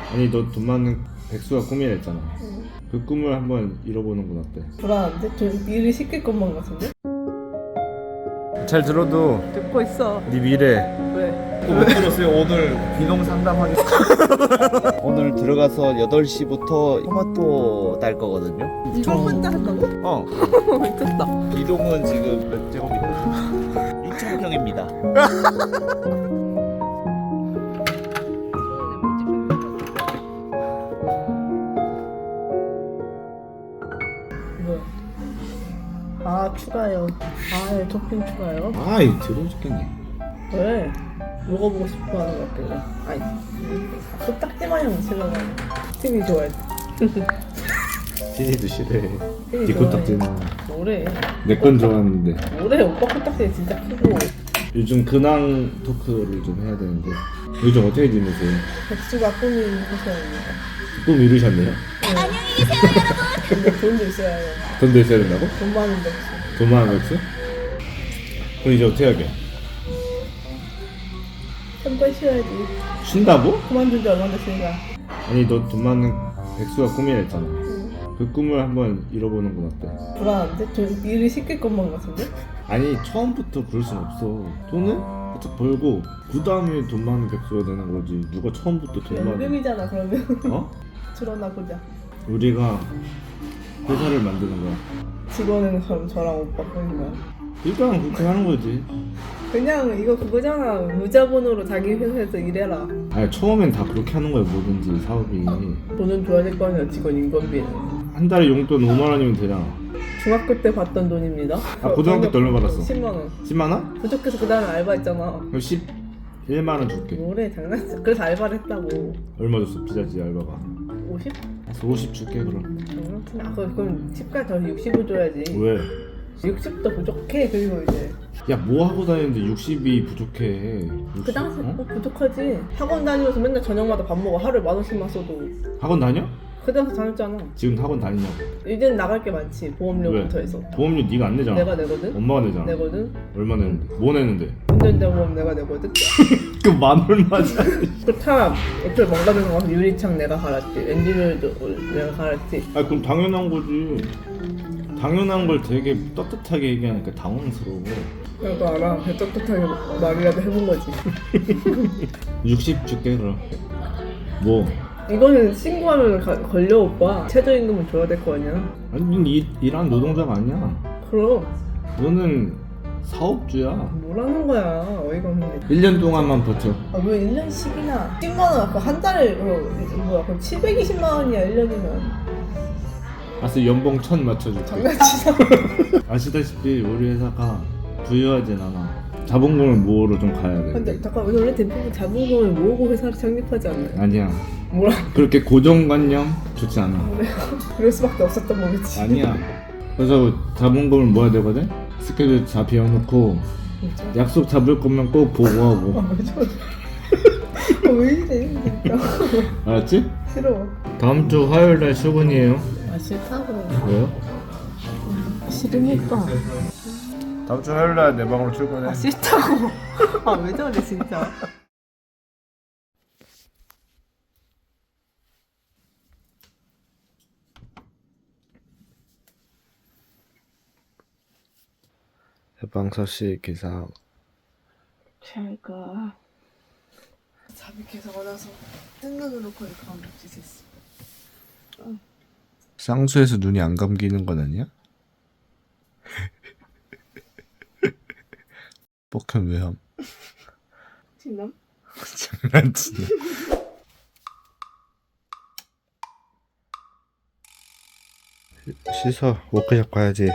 아니 너 돈 많은 백수가 꿈이라 했잖아. 그 꿈을 한번 이뤄보는 건 어때? 불안한데? 좀 일이 시킬 것만 같은데? 잘 들어도 듣고 있어. 네 미래. 왜? 못 들었어요. 오늘 비농 상담하겠습니다. 오늘 들어가서 8시부터 토마토 딸 거거든요. 이걸 혼자 한다고? 미쳤다. 이동은 지금 몇 제곱미터? 6,000평입니다. 뭐야? 아 추가요. 아 토핑 추가요? 아이 더러워 죽겠네. 왜? 먹어보고 싶어하는 것 같길래. 아니 코딱지 마냥 싫어가. TV 좋아해. 티니도 싫어해. TV 네 코딱지는 뭐래? 내 건 좋아하는데. 뭐래? 오빠 코딱지 진짜 크고. 요즘 근황 토크를 좀 해야 되는데 요즘 어떻게 지내세요? 백수가 꿈이 희소합니다. 꿈 이루셨네요? 근데 돈도 있어야 해요. 돈도 있어야 된다고? 돈 많은 백수. 돈 많은 백수? 그럼 이제 어떻게 하게? 한번 쉬어야지. 쉰다고? 그만둔 지 얼마 됐으니까. 아니 너 돈 많은 백수가 꿈이라 했잖아. 그 꿈을 한번 이뤄보는 건 어때? 불안한데? 좀 일이 시킬 것만 같은데? 아니 처음부터 그럴 순 없어. 돈을 바짝 벌고 그 다음에 돈 많은 백수가 되는 거지. 누가 처음부터 돈 많은 연금이잖아 그러면. 어? 드러나 보자. 우리가 회사를 만드는 거야. 직원은 그럼 저랑 오빠 뿐이야. 일단 그렇게 하는 거지. 그냥 이거 그거잖아. 무자본으로 자기 회사에서 일해라. 아니 처음엔 다 그렇게 하는 거야. 뭐든지 사업이. 돈은 줘야 될 거 아니야. 직원 인건비는. 한 달에 용돈 5만 원이면 되잖아. 중학교 때 받던 돈입니다. 고등학교 때 얼마 받았어? 10만 원. 10만 원? 부족해서 그 다음에 알바했잖아. 그럼 11만 원 줄게. 뭐래 장난치. 그래서 알바를 했다고. 얼마 줬어 피자지 알바가? 50? 그래서 50 줄게 그럼. 장난치나. 아 그럼 10까지 더 60을 줘야지. 왜? 60도 부족해. 그리고 이제 야 뭐 하고 다니는데 60이 부족해. 60? 그 당시 어? 부족하지. 학원 다니면서 맨날 저녁마다 밥 먹어. 하루에 10,000원씩만 써도. 학원 다녀? 그 당시 다녔잖아. 지금 학원 다니냐고. 이제는 나갈 게 많지. 보험료부터 왜? 해서. 보험료 네가 안 내잖아. 내가 내거든. 엄마가 내잖아. 내거든. 얼마 내는데? 뭐 내는데? 운전자 보험 내가 내거든. 그 만 얼마잖아. 그차 애플 망가져서 가서 유리창 내가 갈았지. 엔진오일도 내가 갈았지. 아 그럼 당연한 거지. 당연한 걸 되게 떳떳하게 얘기하니까 당황스러워. 나도 알아. 배 떳떳하게 말이라도 해본 거지. 60 줄게 그럼. 뭐? 이거는 신고하면 걸려 오빠. 최저임금은 줘야 될 거 아니야. 아니 넌 일하는 노동자가 아니야. 그럼 너는 사업주야. 뭐라는 거야. 어이가 없네. 1년 동안만 버텨. 아 왜 1년씩이나 10만 원 아까 한 달에 뭐야 그럼 720만 원이야 1년이면. 알았어 연봉 1000 맞춰줄게. 장난치자. 아시다시피 우리 회사가 부유하진 않아. 자본금을 모으러 좀 가야 돼. 근데 잠깐 원래 대부분 자본금을 모으고 회사를 창립하지 않나요? 아니야. 뭐라 그렇게 고정관념 좋지 않아. 그래요? 그럴 수밖에 없었던 거겠지. 아니야. 그래서 자본금을 모아야 되거든. 스케줄 다 비워놓고 약속 잡을 거면 꼭 보고하고. 왜 저래? 왜 이래 진짜. 알았지? 싫어. 다음 주 화요일 날 출근이에요. 아 싫다고. 왜요? 싫으니까. 다음 주 화요일 날 내 방으로 출근해. 아 싫다고. 아 왜 저래 진짜. 해방서씨 기사. 잘가. 잠이 계속 와서 뜬 눈으로 거의 감독짓 했어. 쌍수에서 눈이 안 감기는 건 아니야? 뻑현 왜함? 진남? 장난치네. 씻어. 워크숍 가야지.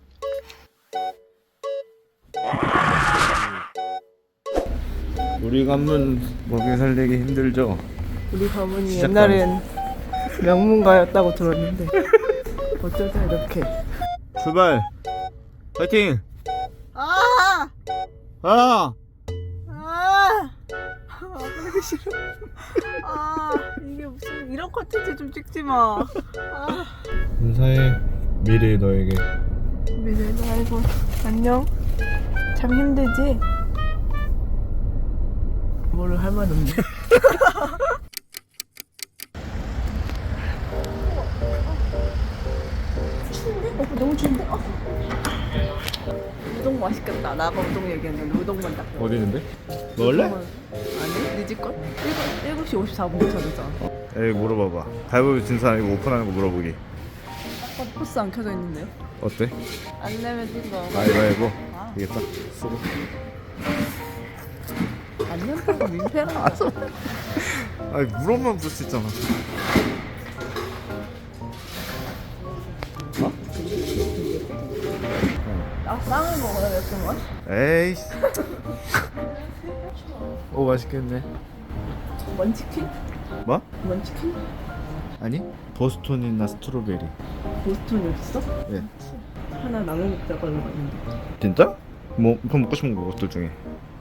우리 가문 먹여 살리기 힘들죠? 우리 가문이 시작하네. 옛날엔 명문가였다고 들었는데 어쩌다 이렇게. 출발. 파이팅. 아! 아. 아! 그러기 싫어. 아, 이게 무슨 이런 컨텐츠 좀 찍지 마. 아. 인사해. 미래 너에게. 미래도 아이고 안녕. 참 힘들지? 뭐를 할 말 없네. 너무 좋은데? 우동 맛있겠다. 나가 우동 얘기했는데 우동만 딱. 어디 있는데? 먹을래? 아니, 네 집걸? 7시 54분 도착했잖아. 에이 물어봐봐. 가위바위보 진 사람 이거 오픈하는 거 물어보기. 포스 안 켜져 있는데요? 어때? 안 내면 뛴다. 가위바위보. 아. 되겠다. 쓰고. 안 낸다고 민폐라. 아니 물어만 볼 수 있잖아. 나 빵을 먹어야 됐구만. 에이씨. 오 맛있겠네. 먼치킨? 뭐? 먼치킨? 아니? 보스톤이나 스트로베리. 보스톤이 어딨어? 예. 하나 나눠 먹자고 하는 거 있는데. 진짜? 뭐 그럼 먹고 싶은 거 것들 중에.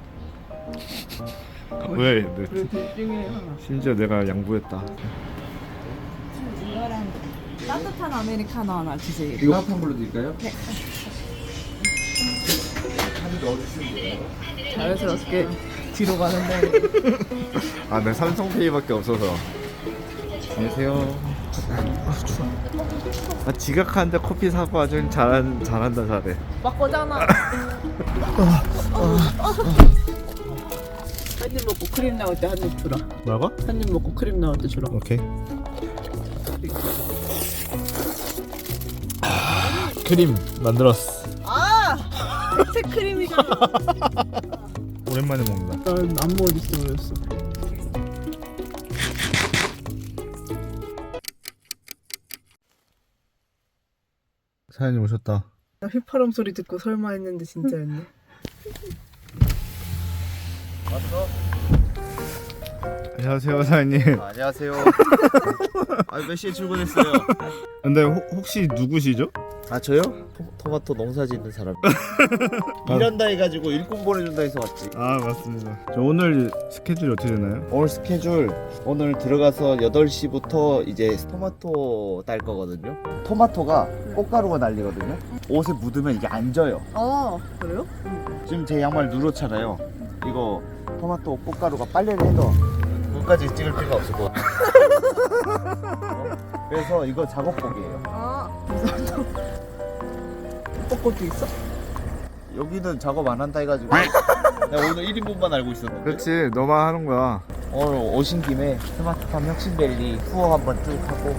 왜? 그래 둘 중에 하나. 심지어 내가 양보했다. 이거랑 따뜻한 아메리카노 하나 주세요. 이거 합한 걸로 드릴까요? 네. 자연스럽게 뒤로 가는데. 아, 내 삼성페이밖에 없어서. 안녕하세요. 아, 지각하는데 커피 사고 아주 잘한다 잘해. 막 거잖아. 한 입 먹고 크림 나올 때 한 입 주라. 뭐라고? 한 입 먹고 크림 나올 때 주라. 오케이. 크림 만들었어. 아! 대체 크림이잖아. 오랜만에 먹는다. 난 안무 어딨어 그랬어. 사연이 오셨다. 나 휘파람 소리 듣고 설마 했는데 진짜였네. 안녕하세요 사연님. 안녕하세요. 몇 시에 출근했어요? 근데 혹시 누구시죠? 아 저요? 토마토 농사 짓는 사람. 일한다 해가지고 일꾼 보내준다 해서 왔지. 아 맞습니다. 저 오늘 스케줄이 어떻게 되나요? 오늘 스케줄 오늘 들어가서 8시부터 이제 토마토 딸 거거든요. 토마토가 꽃가루가 날리거든요. 옷에 묻으면 이게 안 져요. 아 그래요? 지금 제 양말 누렇잖아요. 이거 토마토 꽃가루가 빨래를 해도 눈까지 찍을 필요가 없을 것 같아요. 그래서 이거 작업복이에요. 아 무슨 벚꽃도 있어? 여기는 작업 안 한다 해가지고 내가 오늘 1인분만 알고 있었는데 그렇지 너만 하는 거야. 오늘 오신 김에 스마트팜 혁신밸리 투어 한번 쭉 하고.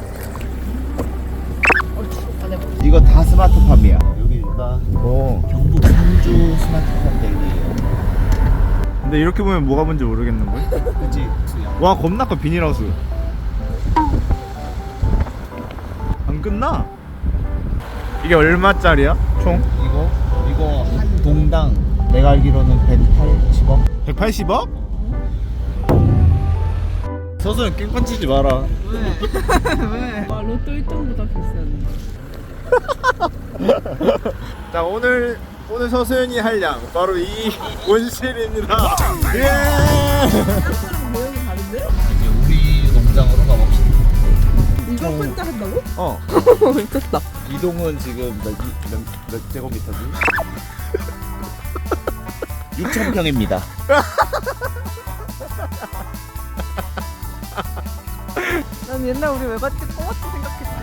이거 다 스마트팜이야. 여기가 오. 경북 상주 스마트팜 밸리예요. 근데 이렇게 보면 뭐가 뭔지 모르겠는 거야? 그치? 와 겁나 커 비닐하우스. 안 끝나? 이게 얼마짜리야? 총? 이거 한 동당 내가 알기로는 180억? 180억? 서서는 깽판 치지 마라. 왜? 왜? 아 로또 1등보다 비싸네. 자 오늘 서수연이 할 양 바로 이 온실입니다. 예. 모양이 다른데? 이제 우리 농장으로 가봅시다. 이거 혼자 한다고? 어. 미쳤다. 이동은 지금 몇 제곱미터지? 6,000평입니다. 난 옛날 우리 외갓집 꼬마트 생각했지.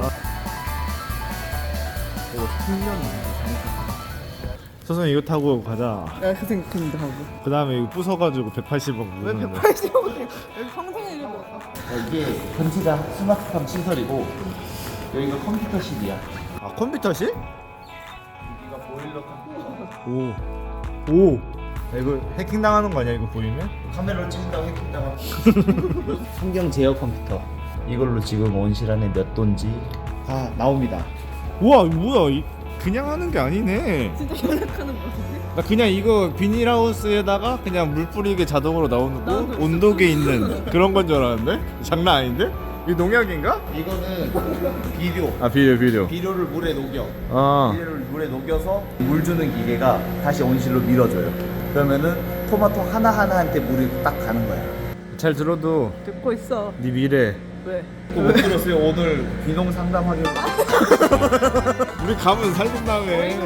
서수연 이거 타고 가자. 내가 그 생각했는데 하고. 그 다음에 이거 부숴가지고 180억. 왜 180억? 여기 평생에 이거 뭐? 이게 전체가 스마트팜 시설이고 여기가 컴퓨터실이야. 아 컴퓨터실? 여기가 보일러 컴퓨터. 오. 이거 해킹 당하는 거 아니야 이거 보이면? 카메라로 찍는다고 해킹당하고. 풍경 제어 컴퓨터. 이걸로 지금 온실 안에 몇 돈지 다 나옵니다. 우와 이거 뭐야 그냥 하는 게 아니네. 진짜 연락하는 거 같은데? 나 그냥 이거 비닐하우스에다가 그냥 물 뿌리게 자동으로 나오는 거 나도 온도계 있는 그런 건 줄 알았는데? 장난 아닌데? 이거 농약인가? 이거는 비료. 아 비료 비료를 물에 녹여. 아 비료를 물에 녹여서 물 주는 기계가 다시 온실로 밀어줘요. 그러면은 토마토 하나하나한테 물이 딱 가는 거야. 잘 들어도 듣고 있어. 네 미래 왜? 또 못 들었어요? 오늘 비농 상담하기. 우리 가면 살던다며.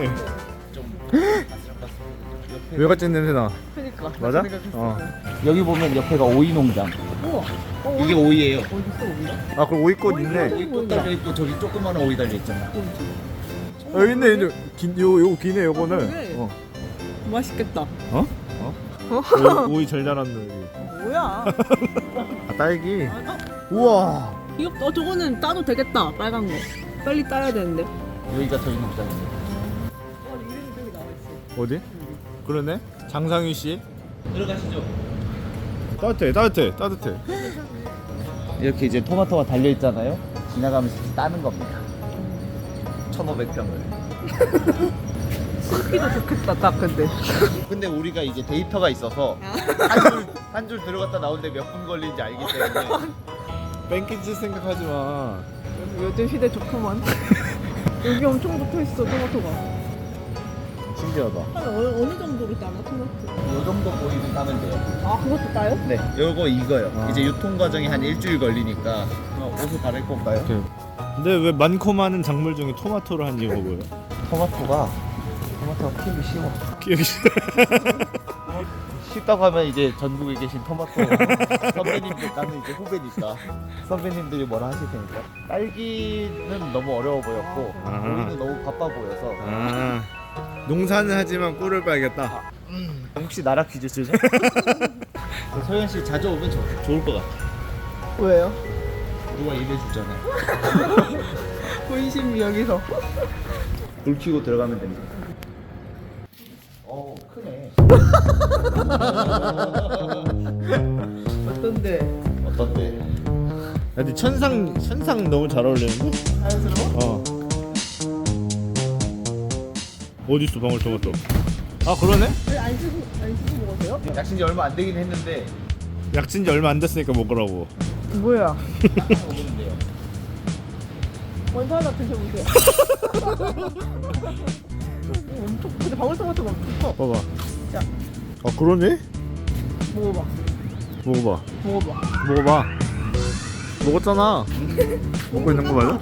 외갓집 냄새나. 그니까. 맞아? 생각했어. 어. 여기 보면 옆에가 오이 농장. 우와. 이게 오이예요. 어디 있어 우리가? 아 그럼 오이꽃 있네. 오이 꽃 달려 있고 저기 조그마한 오이 달려 있잖아. 여기 있네 있네. 요 기네 요거는. 그래. 어. 맛있겠다. 어? 오이 잘 자랐네 여기. 뭐야? 아 딸기. 아, 우와. 이거 저거는 따도 되겠다. 빨간 거. 빨리 따야 되는데. 여기가 저희 농장입니다. 이름이 저기 나와 있어. 어디? 그러네. 장상희 씨. 들어가시죠. 따뜻해. 이렇게 이제 토마토가 달려 있잖아요. 지나가면서 따는 겁니다. 1,500평을. 씹기도 좋겠다, 딱 근데. 근데 우리가 이제 데이터가 있어서 한 줄 들어갔다 나오는데 몇 분 걸리는지 알기 때문에 뺑기칠 생각하지 마. 요즘 시대 좋구만. 여기 엄청 붙어 있어, 토마토가. 신기하다. 한 어느 정도로 따나, 토마토? 이 정도 보이면 따면 돼요. 아, 그것도 따요? 네, 요거 이거요. 아. 이제 유통 과정이 한 일주일 걸리니까 옷을 갈아입고 올까요? 오케이. 근데 왜 많고 많은 작물 중에 토마토를 한 이유가 뭐예요? 토마토가 키우기 쉬워. 기억이 쉽다고 하면 이제 전국에 계신 토마토 선배님들, 나는 이제 후배니까 선배님들이 뭐라 하실 테니까. 딸기는 너무 어려워 보였고 아. 오이는 너무 바빠 보여서 아 농사는 하지만 꿀을 빨겠다. 혹시 나라 퀴즈 쓰죠? 소연 씨 자주 오면 좋을 것 같아. 왜요? 누가 일해 주잖아. 본심이 여기서. 불 켜고 들어가면 됩니다. 크네. 어떤데? 어떤데? 근데 천상 너무 잘 어울리는데? 자연스러워? 어디 있어 방울토마토? 아 그러네? 안 씻고 먹었어요? 약신 지 얼마 안 되긴 했는데 약진지 얼마 안 됐으니까 먹으라고. 뭐야? 먹으면 돼요. 먼저 하나 드셔보세요. 엄청, 근데 방울토마토가 엄청 커. 봐봐. 자. 아 그러네? 먹어봐. 먹어봐. 먹어봐. 먹었잖아. 먹고 있는 거 맞아?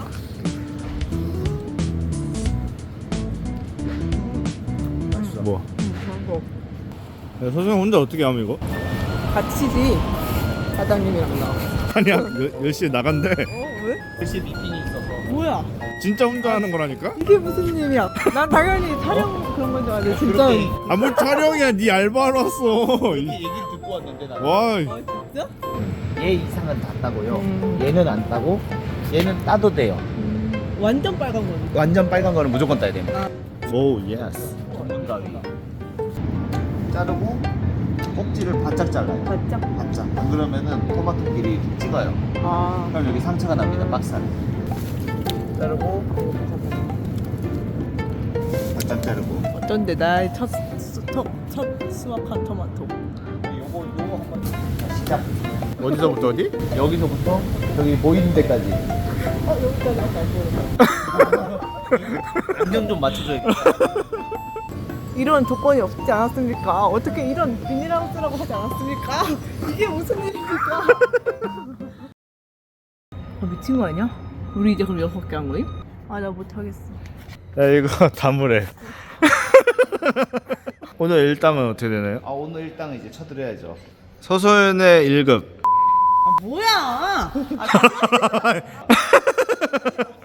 뭐? 먹어. 야, 선생님 혼자 어떻게 하면 이거? 같이지. 사장님이랑 나. 아니야 10시에 나간대. 왜? 혹시 미팅이 있어서 뭐야? 진짜 혼자 하는 거라니까? 이게 무슨 일이야? 난 당연히 촬영 그런 건 줄 알았는데 진짜. 그렇게 아무 촬영이야 네 알바로 왔어. 얘기를 듣고 왔는데 나는 와 아 진짜? 얘 이상은 다 따고요. 음. 얘는 안 따고 얘는 따도 돼요. 완전 빨간 거네. 완전 빨간 거는 무조건 따야 됩니다. 오 예스. 전문가위가 자르고 꼭지를 바짝 잘라요. 바짝. 바짝. 안 그러면은 토마토 길이 이렇게 찍어요. 아. 그럼 여기 상처가 납니다. 박살. 자르고 바짝 자르고. 어쩐데 나의 첫 수확한 토마토. 요거 한번 시작. 어디서부터 어디? 여기서부터 저기 보이는 데까지. 여기까지 할까 안 안경 좀 맞춰줘야겠다. 이런 조건이 없지 않았습니까? 어떻게 이런 비닐하우스라고 하지 않았습니까? 이게 무슨 일입니까? 미친 거 아니야? 우리 이제 그럼 6개 한 거임? 아 나 못하겠어. 야 이거 다물해. 오늘 일당은 어떻게 되나요? 아 오늘 일당은 이제 쳐드려야죠. 서소연의 1급. 아 뭐야?